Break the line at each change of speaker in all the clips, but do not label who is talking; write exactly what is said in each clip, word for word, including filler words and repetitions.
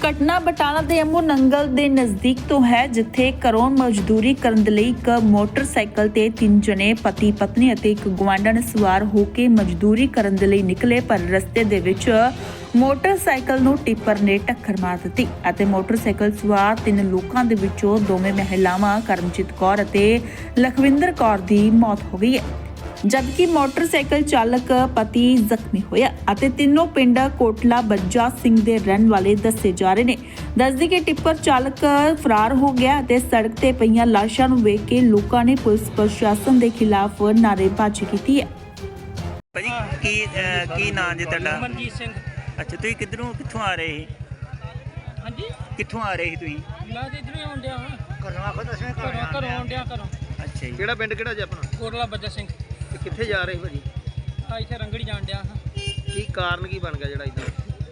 ਘਟਨਾ ਬਟਾਲਾ ਦੇ ਅਮੋ ਨੰਗਲ ਦੇ ਨਜ਼ਦੀਕ ਤੋਂ ਹੈ, ਜਿੱਥੇ ਘਰੋਂ ਮਜ਼ਦੂਰੀ ਕਰਨ ਦੇ ਲਈ ਇੱਕ ਮੋਟਰਸਾਈਕਲ ਤੇ ਤਿੰਨ ਜਣੇ ਪਤੀ ਪਤਨੀ ਅਤੇ ਇੱਕ ਗੁਆਂਢਣ ਸਵਾਰ ਹੋ ਕੇ ਮਜ਼ਦੂਰੀ ਕਰਨ ਦੇ ਲਈ ਨਿਕਲੇ, ਪਰ ਰਸਤੇ ਦੇ ਵਿੱਚ ਮੋਟਰਸਾਈਕਲ ਨੂੰ ਟਿੱਪਰ ਨੇ ਟੱਕਰ ਮਾਰ ਦਿੱਤੀ ਅਤੇ ਮੋਟਰਸਾਈਕਲ ਸਵਾਰ ਤਿੰਨ ਲੋਕਾਂ ਦੇ ਵਿੱਚੋਂ ਦੋਵੇਂ ਮਹਿਲਾਵਾਂ ਕਰਮਜੀਤ ਕੌਰ ਅਤੇ ਲਖਵਿੰਦਰ ਕੌਰ ਦੀ ਮੌਤ ਹੋ ਗਈ ਹੈ, ਜਦਕਿ ਮੋਟਰਸਾਈਕਲ ਚਾਲਕ ਪਤੀ ਜ਼ਖਮੀ ਹੋਇਆ ਅਤੇ ਤਿੰਨੋਂ ਪਿੰਡ ਕੋਟਲਾ ਬੱਜਾ ਸਿੰਘ ਦੇ ਰਹਿਣ ਵਾਲੇ ਦੱਸੇ ਜਾ ਰਹੇ ਨੇ। ਦੱਸਦੀ ਕਿ ਟਿੱਪਰ ਚਾਲਕ ਫਰਾਰ ਹੋ ਗਿਆ ਅਤੇ ਸੜਕ ਤੇ ਪਈਆਂ ਲਾਸ਼ਾਂ ਨੂੰ ਵੇਖ ਕੇ ਲੋਕਾਂ ਨੇ ਪੁਲਿਸ ਪ੍ਰਸ਼ਾਸਨ ਦੇ ਖਿਲਾਫ ਨਾਅਰੇਬਾਜ਼ੀ ਕੀਤੀ ਹੈ।
ਭਾਜੀ ਕੀ ਅਹ, ਕੀ ਨਾਂ ਜੀ ਤੁਹਾਡਾ?
ਮਨਜੀਤ ਸਿੰਘ।
ਅੱਛਾ, ਤੁਸੀਂ ਕਿੱਧਰੋਂ ਕਿੱਥੋਂ ਆ ਰਹੇ ਸੀ?
ਹਾਂਜੀ,
ਕਿੱਥੋਂ ਆ ਰਹੇ ਸੀ ਤੁਸੀਂ?
ਮੈਂ ਤੇ ਇਧਰੋਂ ਆਉਣ ਡਿਆ ਹਾਂ।
ਘਰੋਂ ਆਖੋ ਦਸਵੇਂ
ਘਰੋਂ ਘਰੋਂ ਆਉਣ ਡਿਆ ਘਰੋਂ।
ਅੱਛਾ ਜੀ,
ਕਿਹੜਾ ਪਿੰਡ ਕਿਹੜਾ ਜੀ ਆਪਣਾ?
ਕੋਟਲਾ ਬੱਜਾ ਸਿੰਘ।
ਤੇ ਕਿੱਥੇ ਜਾ ਰਹੇ ਭਾਜੀ?
ਆ ਇੱਥੇ ਰੰਗੜੀ ਜਾਣ ਡਿਆ ਹਾਂ।
ਕੀ ਕਾਰਨ ਕੀ ਬਣ ਗਿਆ ਜਿਹੜਾ ਇਦਾਂ?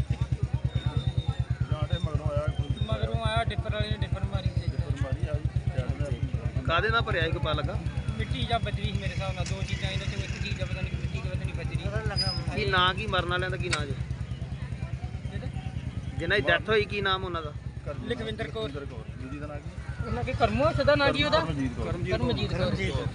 ਮਗਰੋਂ ਆਇਆ ਡਿੱਪਰ ਵਾਲੇ ਨੇ ਡਿੱਪਰ ਮਾਰੀ ਤੇ
ਕਾਦੇ ਨਾਲ ਭਰਿਆ ਸੀ, ਕੋਈ ਪਤਾ ਲੱਗਾ?
ਮਿੱਟੀ ਜਾਂ ਬਜਰੀ ਸੀ ਮੇਰੇ ਹਿਸਾਬ ਨਾਲ, ਦੋ ਚੀਜ਼ਾਂ ਇਹਨਾਂ ਚੋਂ ਇੱਕ ਚੀਜ਼ ਆ, ਪਤਾ ਨਹੀਂ ਮਿੱਟੀ ਕਿ ਪਤਾ ਨਹੀਂ ਬਜਰੀ।
ਕੀ ਨਾਂ ਕੀ ਮਰਨ ਵਾਲਿਆਂ ਦਾ ਕੀ ਨਾਂ ਜੀ? ਜਿਹਨਾਂ ਦੀ ਡੈਥ ਹੋਈ ਕੀ ਨਾਮ ਉਹਨਾਂ ਦਾ?
ਲਖਵਿੰਦਰ ਕੌਰ। ਉਹਨਾਂ ਕੇ ਕਰਮੋ ਸਦਾ ਨਾਂ ਕੀ ਉਹਦਾ? ਕਰਮਜੀਤ ਕੌਰ।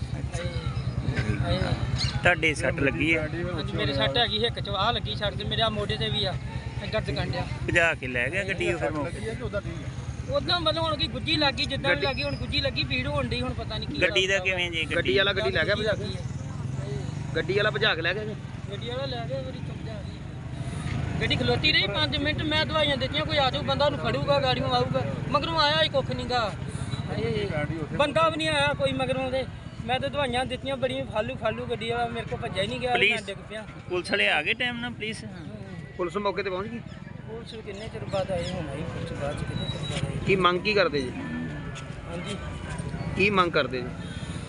ਤੁਹਾਡੇ ਸੱਟ ਲੱਗੀ ਹੈ?
ਅੱਜ ਮੇਰੇ ਸੱਟ ਹੈਗੀ ਹਿੱਕ ਚ, ਆਹ ਲੱਗੀ ਸੱਟ ਤੇ ਮੇਰੇ ਆ ਮੋਢੇ ਤੇ ਵੀ ਆ, ਦਰਦ ਕੰਡਿਆ।
ਭਜਾ ਕੇ ਲੈ ਗਿਆ ਗੱਡੀ ਉਹ ਫਿਰ ਮੌਕੇ?
ਉਦਾਂ ਮਤਲਬ ਹੁਣ ਕੀ ਗੁੱਜੀ ਲੱਗੀ, ਜਿੱਦਾਂ ਵੀ ਲੱਗੀ ਹੁਣ ਗੁੱਜੀ ਲੱਗੀ, ਭੀੜ ਹੋਣ ਡਈ, ਹੁਣ ਪਤਾ ਨਹੀਂ ਕੀ
ਗੱਡੀ ਦਾ ਕਿਵੇਂ ਜੀ?
ਗੱਡੀ ਵਾਲਾ ਗੱਡੀ ਲੈ ਗਿਆ ਭਜਾ ਕੇ? ਗੱਡੀ ਵਾਲਾ ਭਜਾ ਕੇ ਲੈ ਗਿਆ ਜੀ?
ਗੱਡੀ ਵਾਲਾ ਲੈ ਗਿਆ, ਮੇਰੀ ਚੁੱਪ ਜਾ ਰਹੀ। ਗੱਡੀ ਖਲੋਤੀ ਰਹੀ ਪੰਜ ਮਿੰਟ, ਮੈਂ ਦਵਾਈਆਂ ਦਿੱਤੀਆਂ, ਕੋਈ ਆ ਜਾਊ ਬੰਦਾ ਉਹਨੂੰ ਫੜੂਗਾ, ਗਾੜੀਆਂ ਆਊਗਾ, ਮਗਰੋਂ ਆਇਆ ਹੀ ਕੁੱਖ ਨਹੀਂਗਾ, ਬੰਦਾ ਵੀ ਨਹੀਂ ਆਇਆ ਕੋਈ ਮਗਰੋਂ ਦੇ। ਮੈਂ ਤਾਂ ਦਵਾਈਆਂ ਦਿੱਤੀਆਂ ਬੜੀਆਂ, ਫਾਲੂ ਫਾਲੂ ਗੱਡੀ ਵਾਲਾ ਮੇਰੇ ਕੋਲ ਭੱਜਿਆ ਹੀ ਨਹੀਂ ਗਿਆ, ਮੈਂ ਡਿੱਗ ਪਿਆ।
ਪੁਲਿਸ ਵਾਲੇ ਆ ਗਏ ਟਾਈਮ ਨਾਲ? ਪੁਲਿਸ
ਪੁਲਿਸ ਮੌਕੇ ਤੇ ਪਹੁੰਚ ਗਈ?
ਪੁਲਿਸ ਕਿੰਨੇ ਚਿਰ ਬਾਅਦ ਆਏ ਹੁਣ ਆਈ, ਪੁਲਿਸ ਬਾਅਦ ਚ ਕਿੰਨੇ ਚਿਰ ਬਾਅਦ ਆਈ।
ਕੀ ਮੰਗ ਕੀ ਕਰਦੇ ਜੀ?
ਹਾਂਜੀ,
ਕੀ ਮੰਗ ਕਰਦੇ ਜੀ?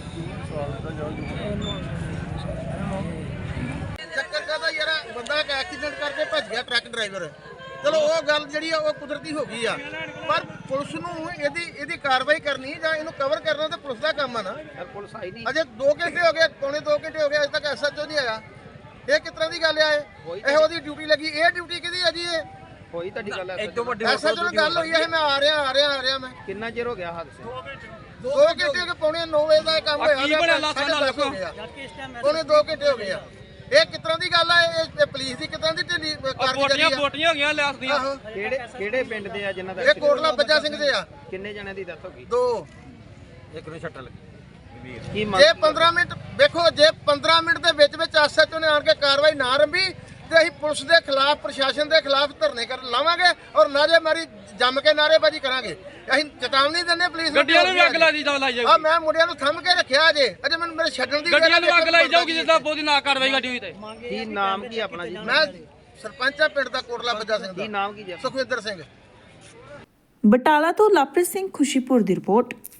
ਚੱਕਰ ਕਾਹਦਾ ਯਾਰ, ਬੰਦਾ ਇੱਕ ਐਕਸੀਡੈਂਟ ਕਰਕੇ ਭੱਜ ਗਿਆ ਟਰੱਕ ਡਰਾਈਵਰ। ਚਲੋ ਉਹ ਗੱਲ ਜਿਹੜੀ ਆ ਉਹ ਕੁਦਰਤੀ ਹੋ ਗਈ ਆ, ਪਰ ਪੁਲਿਸ ਨੂੰ ਇਹਦੀ ਇਹਦੀ ਕਾਰਵਾਈ ਕਰਨੀ ਜਾਂ ਇਹਨੂੰ ਕਵਰ ਕਰਨਾ ਤਾਂ ਪੁਲਿਸ ਦਾ ਕੰਮ ਆ ਨਾ।
ਪੁਲਿਸ ਆਈ ਨਹੀਂ
ਅਜੇ ਦੋ ਘੰਟੇ ਹੋ ਗਏ, ਪੌਣੇ ਦੋ ਘੰਟੇ ਹੋ ਗਏ, ਅਜੇ ਤੱਕ ਐਸਐਚਓ ਨਹੀਂ ਆਇਆ। ਇਹ ਕਿਸ ਤਰ੍ਹਾਂ ਦੀ ਗੱਲ ਆ? ਇਹ ਇਹੋ ਦੀ ਡਿਊਟੀ ਲੱਗੀ, ਇਹ ਡਿਊਟੀ ਕਿਹਦੀ ਆ ਜੀ? ਇਹ
ਹੋਈ ਤੁਹਾਡੀ ਗੱਲ?
ਐਸਐਚਓ ਨਾਲ ਗੱਲ ਹੋਈ ਹੈ, ਮੈਂ ਆ ਰਿਹਾ ਆ ਰਿਹਾ ਆ ਰਿਹਾ ਮੈਂ।
ਕਿੰਨਾ ਚਿਰ ਹੋ ਗਿਆ ਹਾਦਸੇ?
ਦੋ ਘੰਟੇ ਹੋ ਗਏ, ਪੌਣੇ ਨੌ ਵਜੇ ਦਾ ਇਹ ਕੰਮ ਹੋਇਆ, ਪੌਣੇ ਦੋ ਘੰਟੇ ਹੋ ਗਏ ਆ। ਇਹ ਕਿਸ ਤਰ੍ਹਾਂ ਦੀ ਗੱਲ ਆ? ਇਹ ਪੁਲਿਸ ਦੀ ਕਿਸ ਤਰ੍ਹਾਂ ਦੀ ਢਿੱਲੀ ਕਾਰਗੁਜ਼ਾਰੀ ਆ?
ਬੋਟੀਆਂ ਹੋ ਗਈਆਂ ਲਿਆਸ ਦੀਆਂ।
ਕਿਹੜੇ ਕਿਹੜੇ ਪਿੰਡ ਦੇ ਆ ਜਿਨ੍ਹਾਂ ਦਾ?
ਇਹ ਕੋਟਲਾ ਬੱਜਾ ਸਿੰਘ ਦੇ ਆ।
ਕਿੰਨੇ ਜਣਿਆਂ ਦੀ ਡੈਥ ਹੋ ਗਈ?
ਦੋ।
ਇੱਕ ਨੂੰ ਛੱਟਾ ਲੱਗੀ। ਕੀ ਮੰਗ?
ਜੇ ਪੰਦਰਾਂ ਮਿੰਟ ਵੇਖੋ, ਜੇ ਪੰਦਰਾਂ ਮਿੰਟ ਦੇ ਵਿੱਚ ਵਿੱਚ ਐਸਐਚਓ ਨੇ ਆਣ ਕੇ ਕਾਰਵਾਈ ਨਾ ਰੰਭੀ ਤੇ ਅਸੀਂ ਪੁਲਿਸ ਦੇ ਖਿਲਾਫ, ਪ੍ਰਸ਼ਾਸਨ ਦੇ ਖਿਲਾਫ ਧਰਨੇ ਕਰ ਲਾਵਾਂਗੇ ਔਰ ਨਾਅਰੇਬਾਜ਼ੀ ਜੰਮ ਕੇ ਨਾਅਰੇਬਾਜ਼ੀ ਕਰਾਂਗੇ। ਅਸੀਂ ਚੇਤਾਵਨੀ ਦਿੰਦੇ ਪੁਲਿਸ ਨੂੰ।
ਗੱਡੀਆਂ ਨੂੰ ਅੱਗ ਲਾਈ ਜਾਊਗੀ।
ਆ ਮੈਂ ਮੁੰਡਿਆਂ ਨੂੰ ਥੰਮ ਕੇ ਰੱਖਿਆ ਅਜੇ, ਅਜੇ ਮੈਨੂੰ ਮੇਰੇ ਛੱਡਣ ਦੀ
ਗੱਡੀਆਂ ਨੂੰ ਅੱਗ ਲਾਈ ਜਾਊਗੀ ਜਿੱਦਾਂ ਬੋਦੀ ਨਾ ਕਾਰਵਾਈ ਗੱਡੀ ਹੋਈ ਤੇ।
ਕੀ ਨਾਮ ਕੀ ਆਪਣਾ ਜੀ?
ਮੈਂ ਸਰਪੰਚ ਆ ਪਿੰਡ ਦਾ ਕੋਟਲਾ ਬੱਜਾ ਸਿੰਘ
ਕੀ
ਦਾ।
ਨਾਮ ਕੀ ਜੀ?
ਸੁਖਵਿੰਦਰ ਸਿੰਘ।
ਬਟਾਲਾ ਤੋਂ ਲਵਪ੍ਰੀਤ ਸਿੰਘ ਖੁਸ਼ੀਪੁਰ ਦੀ ਰਿਪੋਰਟ।